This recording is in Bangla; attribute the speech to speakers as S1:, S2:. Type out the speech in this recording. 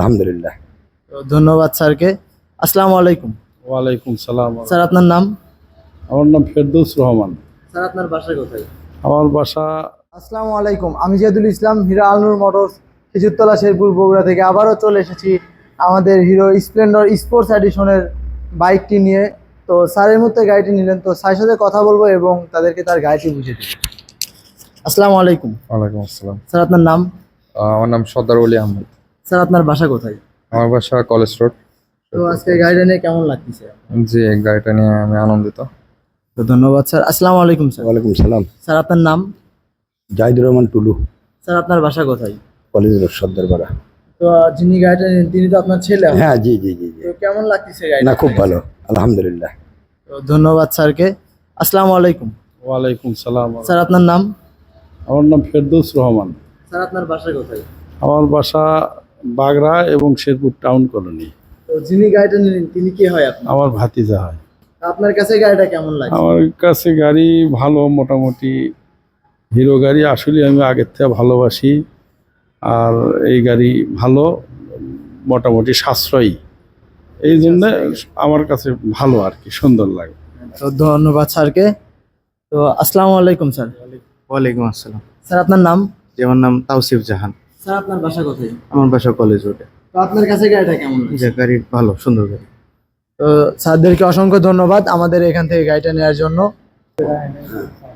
S1: আলহামদুলিল্লাহ।
S2: তো ধন্যবাদ স্যারকে। আসসালামু আলাইকুম।
S3: ওয়ালাইকুম সালাম।
S2: স্যার আপনার নাম?
S3: আমার নাম ফেরদৌস রহমান।
S2: স্যার আপনার বাসা কোথায়?
S3: আমার বাসা
S2: আসসালামু আলাইকুম, আমি জিয়াদুল ইসলাম, হিরো আলনুর মোটরস, খেজুরতলা, শেরপুর, বগুড়া থেকে আবারও চলে এসেছি আমাদের হিরো স্প্লেন্ডর স্পোর্টস এডিশনের বাইকটি নিয়ে। তো স্যারের মধ্যে গাড়িটি নিলেন, তো স্যারের সাথে কথা বলবো এবং তাদেরকে তার গাড়িটি বুঝিয়ে দেবো। আসসালামু আলাইকুম।
S4: ওয়ালাইকুম আসসালাম।
S2: স্যার আপনার নাম?
S4: আমার নাম সর্দার ওলি আহমেদ।
S2: স্যার আপনার বাসা কোথায়?
S4: আমার বাসা কলেজ রোড।
S2: তো আজকে গাড়িটা নিয়ে কেমন লাগতেছে?
S4: জি, গাড়িটা নিয়ে আমি আনন্দিত।
S2: তো ধন্যবাদ স্যার। আসসালামু আলাইকুম স্যার।
S1: ওয়ালাইকুম সালাম।
S2: স্যার আপনার নাম?
S1: জাহিদুর রহমান টুলু,
S2: স্যার আপনার বাসা কোথায়?
S1: College road, Sardarpara.
S2: তো যিনি গাড়িটা নিলেন তিনি তো আপনার ছেলে হবে।
S1: হ্যাঁ, জি জি জি জি।
S2: তো কেমন লাগতেছে
S1: না,
S2: গাড়িটা?
S1: খুব ভালো, আলহামদুলিল্লাহ।
S2: তো ধন্যবাদ স্যারকে। আসসালামু আলাইকুম।
S3: ওয়ালাইকুম সালাম।
S2: স্যার আপনার নাম?
S3: আমার নাম ফেরদৌস রহমান।
S2: স্যার আপনার বাসা কোথায়?
S3: আমার বাসা বাগড়া এবং শেরপুর টাউন কলোনি।
S2: তো যিনি গাড়িটা নিলেন তিনি কি হয় আপনার?
S3: আমার ভাতিজা হয়।
S2: আপনার কাছে গাড়িটা কেমন লাগে?
S3: আমার কাছে গাড়ি ভালো, মোটামুটি হিরো গাড়ি আসলে আমি আগের থেকে ভালোবাসি। আর এই গাড়ি ভালো, মোটামুটি সাশ্রয়ী, এই জন্য আমার কাছে ভালো আর কি, সুন্দর লাগে।
S2: তো ধন্যবাদ স্যারকে। তো আসসালামু আলাইকুম স্যার।
S5: ওয়ালাইকুম আসসালাম।
S2: স্যার আপনার নাম?
S5: জি, আমার নাম তাওসিফ জাহান।
S2: স্যার আপনার বাসা কোথায়?
S5: আমার বাসা কলেজ রোডে।
S2: তো আপনার কাছে গাড়িটা কেমন লাগে?
S5: যে গাড়ি ভালো, সুন্দর গাড়ি।
S2: তো স্যারদেরকে অসংখ্য ধন্যবাদ আমাদের এখান থেকে গাড়িটা নেওয়ার জন্য।